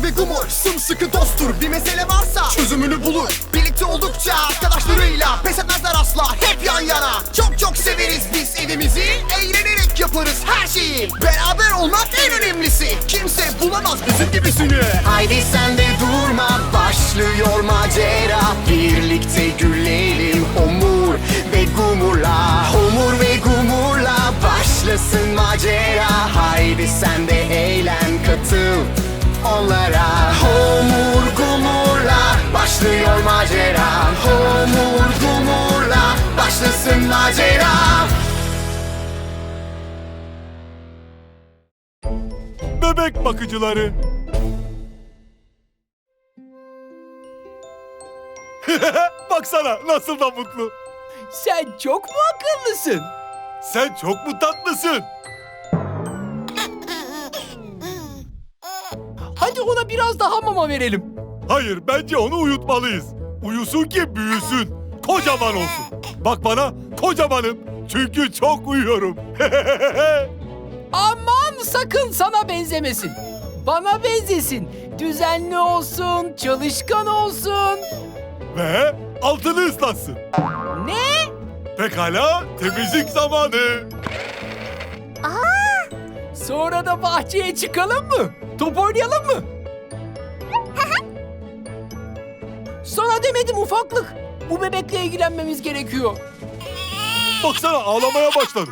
Homur ve Gumur sımsıkı dosttur. Bir mesele varsa çözümünü bulur. Birlikte oldukça arkadaşlarıyla pes etmezler asla, hep yan yana. Çok çok severiz biz evimizi, eğlenerek yaparız her şeyi. Beraber olmak en önemlisi, kimse bulamaz bizim gibisini. Haydi sen de durma, başlıyor macera. Birlikte gülelim Homur ve Gumur'la. Homur ve Gumur'la başlasın macera. Haydi sen de eğlen, katıl onlara. Homur Gumur'la başlıyor macera. Homur Gumur'la başlasın macera. Bebek bakıcıları. Baksana nasıl da mutlu. Sen çok mu akıllısın? Sen çok mu tatlısın? Hadi ona biraz daha mama verelim. Hayır, bence onu uyutmalıyız. Uyusun ki büyüsün. Kocaman olsun. Bak bana, kocamanım. Çünkü çok uyuyorum. Aman sakın sana benzemesin. Bana benzesin. Düzenli olsun, çalışkan olsun. Ve altını ıslatsın. Ne? Pekala, temizlik zamanı. Sonra da bahçeye çıkalım mı? Top oynayalım mı? Sana demedim ufaklık. Bu bebekle ilgilenmemiz gerekiyor. Baksana ağlamaya başladı.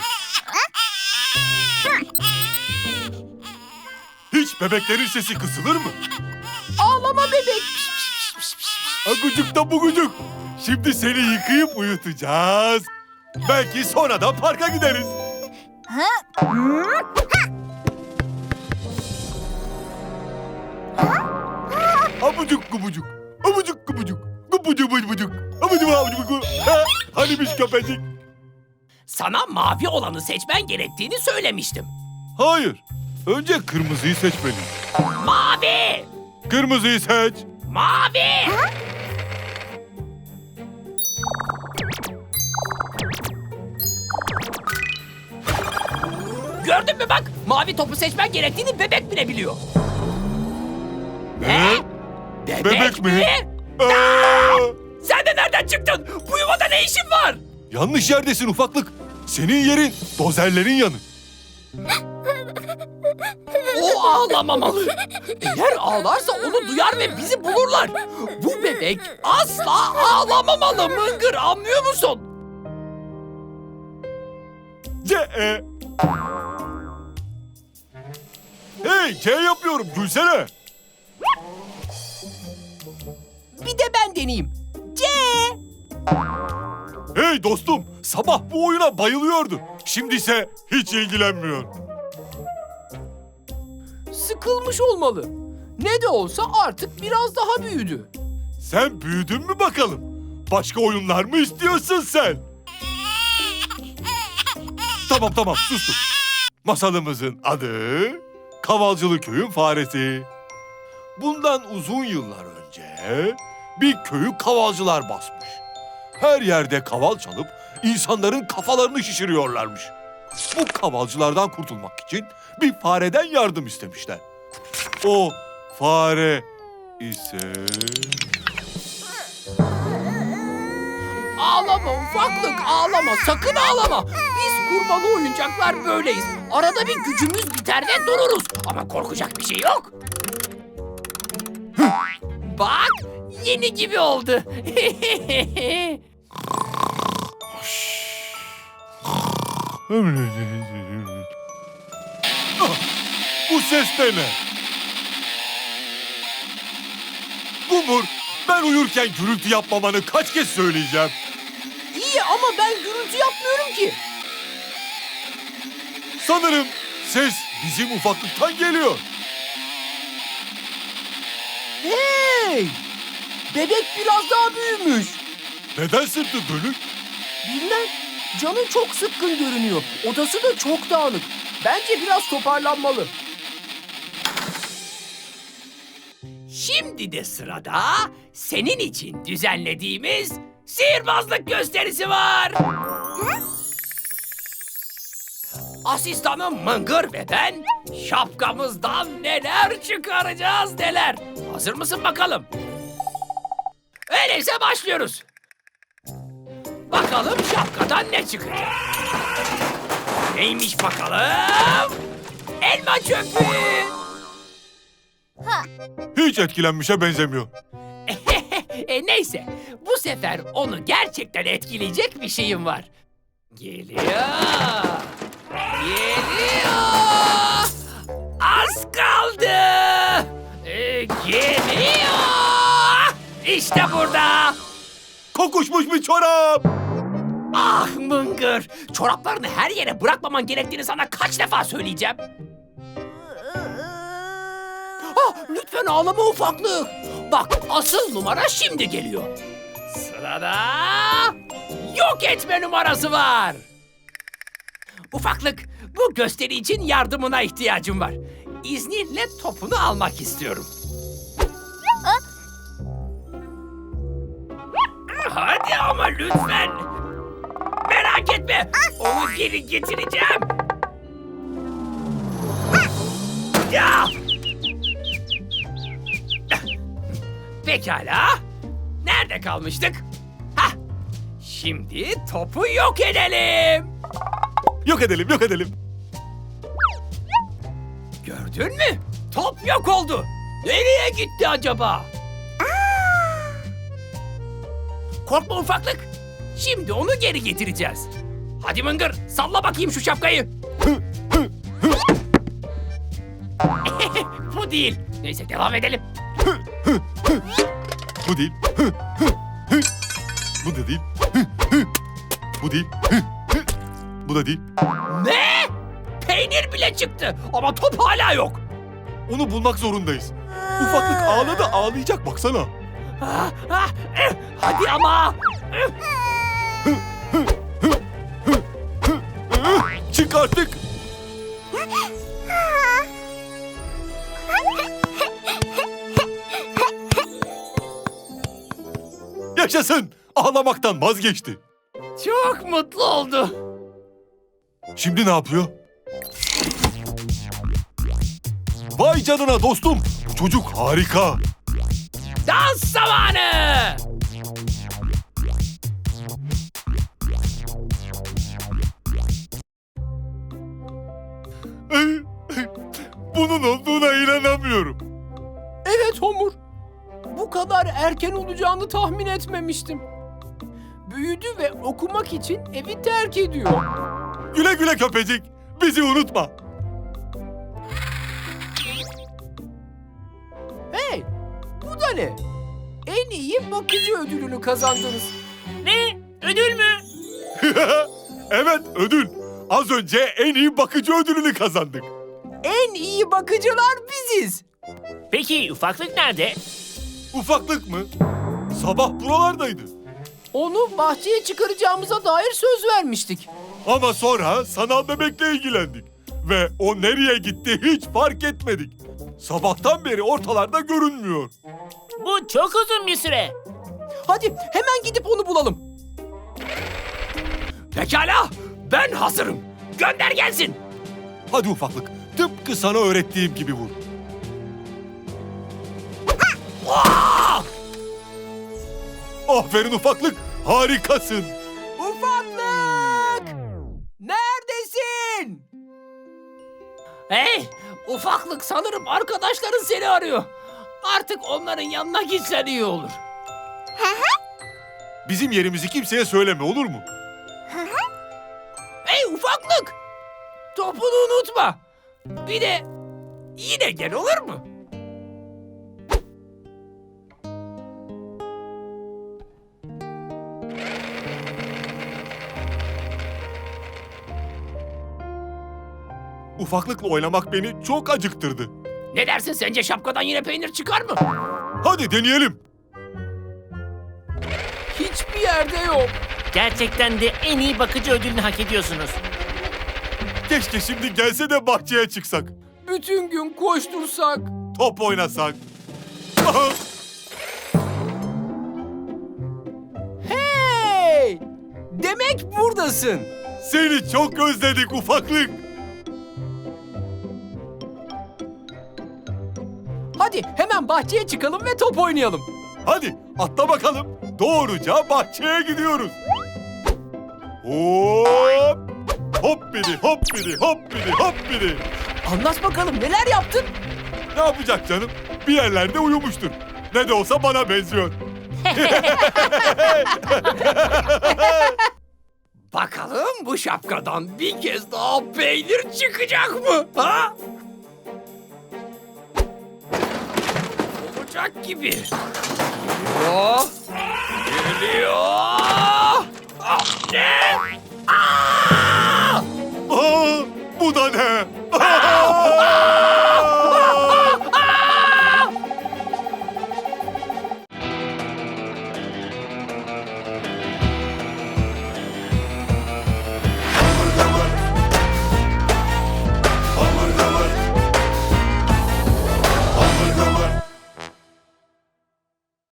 Hiç bebeklerin sesi kısılır mı? Ağlama bebek. Agucuk da bugucuk. Şimdi seni yıkayıp uyutacağız. Belki sonra da parka gideriz. Abucuk gubucuk. Abucuk gubucuk. Gubucuk bucuk. Abucuk abucuk. Hanimiş köpecik. Sana mavi olanı seçmen gerektiğini söylemiştim. Hayır. Önce kırmızıyı seçmeliyim. Mavi! Kırmızıyı seç. Mavi! Gördün mü bak? Mavi topu seçmen gerektiğini bebek bile biliyor. Ne? Bebek mi? Sen de nereden çıktın? Bu yuvada ne işin var? Yanlış yerdesin ufaklık. Senin yerin dozerlerin yanı. O ağlamamalı. Eğer ağlarsa onu duyar ve bizi bulurlar. Bu bebek asla ağlamamalı Mıngır, anlıyor musun? C-E. Hey, C yapıyorum. Gülsene. Bir de ben deneyeyim. C. Hey dostum, sabah bu oyuna bayılıyordu. Şimdi ise hiç ilgilenmiyor. Sıkılmış olmalı. Ne de olsa artık biraz daha büyüdü. Sen büyüdün mü bakalım? Başka oyunlar mı istiyorsun sen? Tamam, sustum. Masalımızın adı Kavalcılı Köyün Faresi. Bundan uzun yıllar önce bir köyü kavalcılar basmış. Her yerde kaval çalıp insanların kafalarını şişiriyorlarmış. Bu kavalcılardan kurtulmak için bir fareden yardım istemişler. O fare ise... Ağlama ufaklık, ağlama, sakın ağlama. Biz kurbalı oyuncaklar böyleyiz. Arada bir gücümüz biter ve dururuz. Ama korkacak bir şey yok. Bak, yeni gibi oldu. Bu ses de ne? Gumur, ben uyurken gürültü yapmamanı kaç kez söyleyeceğim? İyi ama ben gürültü yapmıyorum ki. Sanırım ses bizim ufaklıktan geliyor. Hey! Bebek biraz daha büyümüş. Neden sırtı dönük? Bilmem. Canı çok sıkkın görünüyor. Odası da çok dağınık. Bence biraz toparlanmalı. Şimdi de sırada senin için düzenlediğimiz sihirbazlık gösterisi var. asistanım Mıngır ve ben şapkamızdan neler çıkaracağız neler. Hazır mısın bakalım? Öyleyse başlıyoruz. Bakalım şapkadan ne çıkacak? Neymiş bakalım? Elma çöpü. Hiç etkilenmişe benzemiyor. Neyse, bu sefer onu gerçekten etkileyecek bir şeyim var. Geliyor. Geliyor. Az kaldı. Geliyor. İşte burada. Kokuşmuş bir çorap. Ah Mıngır, çoraplarını her yere bırakmaman gerektiğini sana kaç defa söyleyeceğim. Lütfen ağlama ufaklık. Bak asıl numara şimdi geliyor. Sırada yok etme numarası var. Ufaklık, bu gösteri için yardımına ihtiyacım var. İzninle topunu almak istiyorum. Hadi ama lütfen. Merak etme. Onu geri getireceğim. Ya! Pekala. Nerede kalmıştık? Hah. Şimdi topu yok edelim. Yok edelim, yok edelim. Gördün mü? Top yok oldu. Nereye gitti acaba? Korkma ufaklık. Şimdi onu geri getireceğiz. Hadi Mıngır, salla bakayım şu şapkayı. Bu değil. Neyse devam edelim. Bu değil. Bu da değil. Bu değil. Bu da değil. Ne? Peynir bile çıktı ama top hala yok. Onu bulmak zorundayız. Ufaklık ağladı, ağlayacak baksana. Hadi ama. Çık artık. Yaşasın. Ağlamaktan vazgeçti. Çok mutlu oldu. Şimdi ne yapıyor? Vay canına dostum. Bu çocuk harika. Dans zamanı. Bunun olduğuna inanamıyorum. Evet Homur. Bu kadar erken olacağını tahmin etmemiştim. Büyüdü ve okumak için evi terk ediyor. Güle güle köpecik. Bizi unutma. Hey, bu da ne? En iyi bakıcı ödülünü kazandınız. Ne? Ödül mü? Evet, ödül. Az önce en iyi bakıcı ödülünü kazandık. En iyi bakıcılar biziz. Peki ufaklık nerede? Ufaklık mı? Sabah buralardaydı. Onu bahçeye çıkaracağımıza dair söz vermiştik. Ama sonra sanal bebekle ilgilendik. Ve o nereye gitti hiç fark etmedik. Sabahtan beri ortalarda görünmüyor. Bu çok uzun bir süre. Hadi hemen gidip onu bulalım. Pekala, ben hazırım. Gönder gelsin. Hadi ufaklık, tıpkı sana öğrettiğim gibi vur. Aferin ufaklık, harikasın. Ufaklık! Neredesin? Hey, ufaklık sanırım arkadaşların seni arıyor. Artık onların yanına gitsen iyi olur. Bizim yerimizi kimseye söyleme, olur mu? Hey ufaklık! Topunu unutma. Bir de yine gel olur mu? Ufaklıkla oynamak beni çok acıktırdı. Ne dersin, sence şapkadan yine peynir çıkar mı? Hadi deneyelim. Hiçbir yerde yok. Gerçekten de en iyi bakıcı ödülünü hak ediyorsunuz. Keşke şimdi gelse de bahçeye çıksak. Bütün gün koştursak. Top oynasak. Hey! Demek buradasın. Seni çok özledik ufaklık. Hadi hemen bahçeye çıkalım ve top oynayalım. Hadi atla bakalım. Doğruca bahçeye gidiyoruz. Hop! Hop biri, hop biri, hop biri, hop biri. Anlat bakalım neler yaptın? Ne yapacak canım? Bir yerlerde uyumuştur. Ne de olsa bana benziyor. Bakalım bu şapkadan bir kez daha peynir çıkacak mı? Ha? Olacak gibi. Geliyor. Geliyor. Ah, ne? Aa! Aa, bu da ne?